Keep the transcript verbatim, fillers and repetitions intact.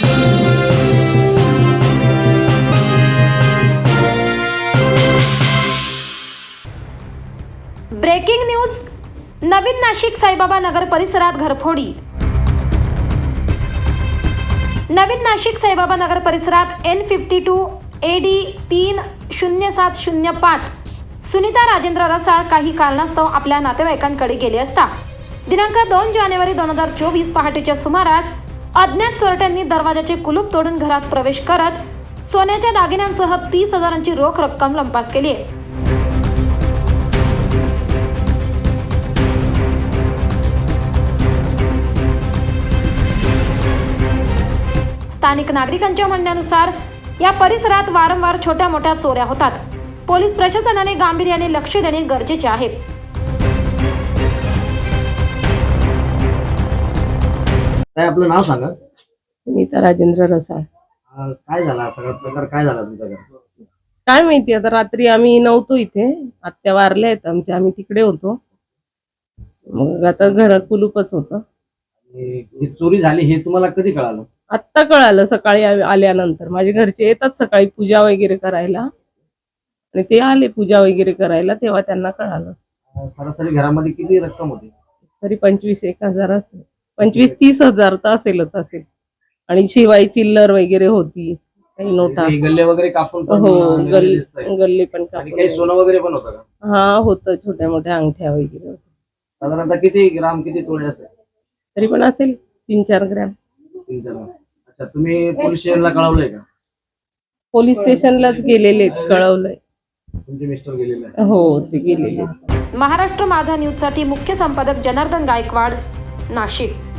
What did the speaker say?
Breaking news. नवीन नाशिक साईबाबा नगर परिसरात घरफोडी। नवीन नाशिक साईबाबा नगर परिसरात N fifty two A D तीन शून्य सात शून्य पाच सुनीता राजेंद्र रसाळ काही कारणास्तव आपल्या नातेवाईकांकडे गेले असता दिनांक दोन जानेवारी दोन हजार चोवीस पहाटेच्या सुमारास अज्ञात चोरट्यांनी दरवाजाचे कुलूप तोडून घरात प्रवेश करत सोन्याच्या दागिन्यांसह तीस हजारांची रोख रक्कम लंपास केली आहे। स्थानिक नागरिकांच्या म्हणण्यानुसार या परिसरात वारंवार छोट्या मोठ्या चोऱ्या होतात। पोलीस प्रशासनाने गांभीर्याने लक्ष देणे गरजेचे आहे। काय आपलं नाव सांगा? सुनीता राजेंद्र रसाळ। काय झाला सगळा प्रकार? काय झाला तुमच्या घरात? काय माहिती, आता रात्री आम्ही नव्हतो इथे, आत्या वारल्या आहेत आमच्या, आम्ही तिकडे होतो। मग आता घरात कुलूपच होतं। ही चोरी झाली हे तुम्हाला कधी कळालं? आत्ता कळालं सकाळी आल्यानंतर। माझे घरचे येतात सकाळी पूजा वगैरे करायला आणि ते आले पूजा वगैरे करायला, तेव्हा त्यांना कळालं। सरासरी घरामध्ये किती रक्कम होती? तरी पंचवीस एक हजार असेल, पंचवीस तीस हजार तर असेलच असेल। आणि शिवाय चिल्लर वगैरे होती, काही नोटा, गल्ले वगैरे कापून पण हो गल्ले दिसतायत. गल्ले पण आणि कापून, काही सोनं वगैरे पण होतं का? हा होतं, छोट्या मोठ्या अंगठ्या वगैरे होत्या। साधारणतः किती ग्राम किती तोळे असेल? तरी पण असेल तीन चार ग्रॅम। तीन चार ग्राम। अच्छा, तुम्ही पोलीस स्टेशनला कळवलंय का? पोलीस स्टेशनलाच गेलेले, कळवलंय। तुमचे मिस्टर गेलेले आहेत? हो, ते गेलेले। महाराष्ट्र माझा न्यूज साठी मुख्य संपादक जनार्दन गायकवाड, नाशिक।